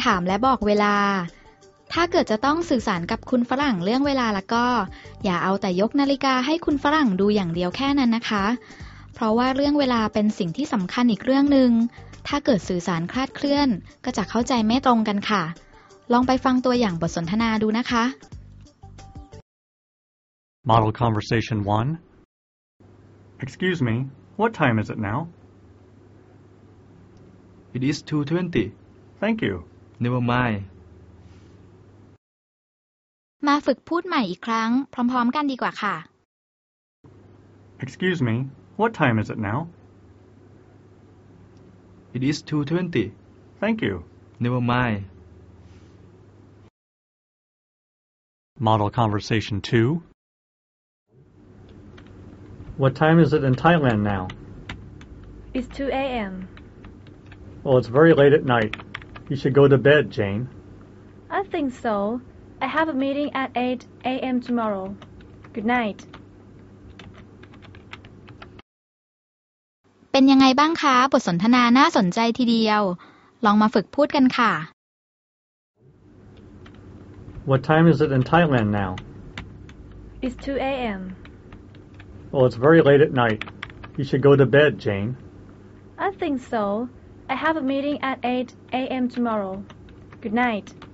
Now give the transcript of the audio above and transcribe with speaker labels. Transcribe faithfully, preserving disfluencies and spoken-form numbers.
Speaker 1: ถามและบอกเวลาถ้าเกิดจะต้องสื่อสารกับคุณฝรั่งเรื่องเวลาแล้วก็อย่าเอาแต่ยกนาฬิกาให้คุณฝรั่งดูอย่างเดียวแค่นั้นนะคะเพราะว่าเรื่องเวลาเป็นสิ่งที่สำคัญอีกเรื่องหนึ่งถ้าเกิดสื่อสารคลาดเคลื่อนก็จะเข้าใจไม่ตรงกันค่ะลองไปฟังตัวอย่างบทสนทนาดูนะคะ
Speaker 2: Model Conversation one. Excuse me, what time is it now?
Speaker 3: It is two twenty.
Speaker 2: Thank you.
Speaker 3: Never mind.
Speaker 1: มาฝึกพูดใหม่อีกครั้งพร้อมๆกันดีกว่าค่ะ
Speaker 2: Excuse me, what time is it now?
Speaker 3: It is two twenty.
Speaker 2: Thank you.
Speaker 3: Never mind.
Speaker 2: Model Conversation two. What time is it in Thailand now?
Speaker 4: It's two a.m.
Speaker 2: Well, it's very late at night. You should go to bed, Jane.
Speaker 4: I think so. I have a meeting at eight a.m. tomorrow. Good night.
Speaker 1: เป็นยังไงบ้างคะบทสนทนาน่าสนใจทีเดียวลองมาฝึกพูดกันค่ะ
Speaker 2: What time is it in Thailand now?
Speaker 4: It's two a.m.
Speaker 2: Well, it's very late at night. You should go to bed, Jane.
Speaker 4: I think so. I have a meeting at eight a.m. tomorrow. Good night.